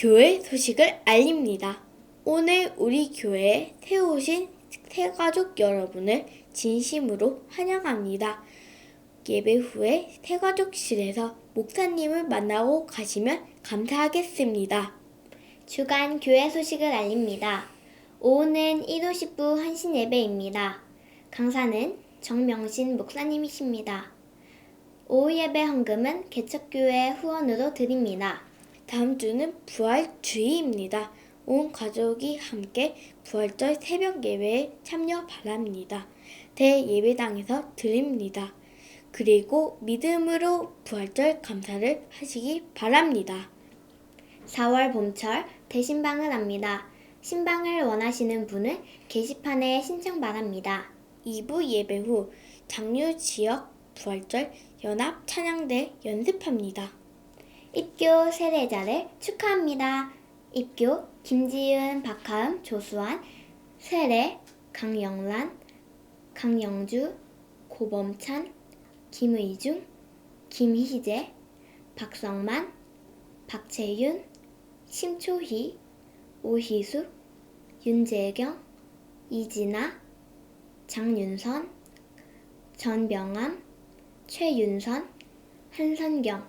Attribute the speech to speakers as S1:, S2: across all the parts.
S1: 교회 소식을 알립니다. 오늘 우리 교회에 새오신 새가족 여러분을 진심으로 환영합니다. 예배 후에 새가족실에서 목사님을 만나고 가시면 감사하겠습니다.
S2: 주간 교회 소식을 알립니다. 오후는 1호 10부 한신 예배입니다. 강사는 정명신 목사님이십니다. 오후 예배 헌금은 개척교회 후원으로 드립니다.
S1: 다음 주는 부활주의입니다. 온 가족이 함께 부활절 새벽 예배에 참여 바랍니다. 대예배당에서 드립니다. 그리고 믿음으로 부활절 감사를 하시기 바랍니다.
S2: 4월 봄철 대신방을 합니다. 신방을 원하시는 분은 게시판에 신청 바랍니다.
S1: 2부 예배 후 장류 지역 부활절 연합 찬양대 연습합니다.
S2: 입교 세례자를 축하합니다. 입교 김지은, 박하음, 조수환, 세례 강영란, 강영주, 고범찬, 김의중, 김희재, 박성만, 박채윤, 심초희, 오희숙, 윤재경, 이진아, 장윤선, 전병암, 최윤선, 한선경.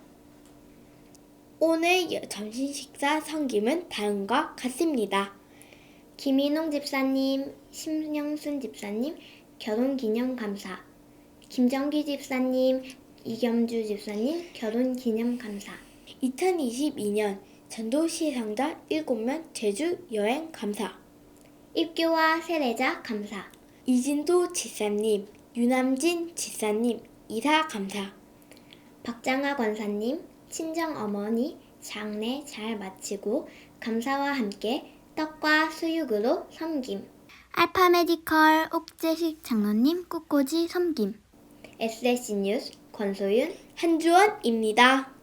S1: 오늘 점심 식사 섬김은 다음과 같습니다.
S2: 김인홍 집사님, 심영순 집사님, 결혼기념감사. 김정기 집사님, 이겸주 집사님, 결혼기념감사.
S1: 2022년 전도시상자 7명 제주 여행 감사.
S2: 입교와 세례자 감사.
S1: 이진도 집사님, 유남진 집사님 이사 감사.
S2: 박장하 권사님, 친정어머니 장례 잘 마치고 감사와 함께 떡과 수육으로 섬김. 알파메디컬 옥재식 장로님 꽃꽂이 섬김. SSC 뉴스 권소윤,
S1: 한주원입니다.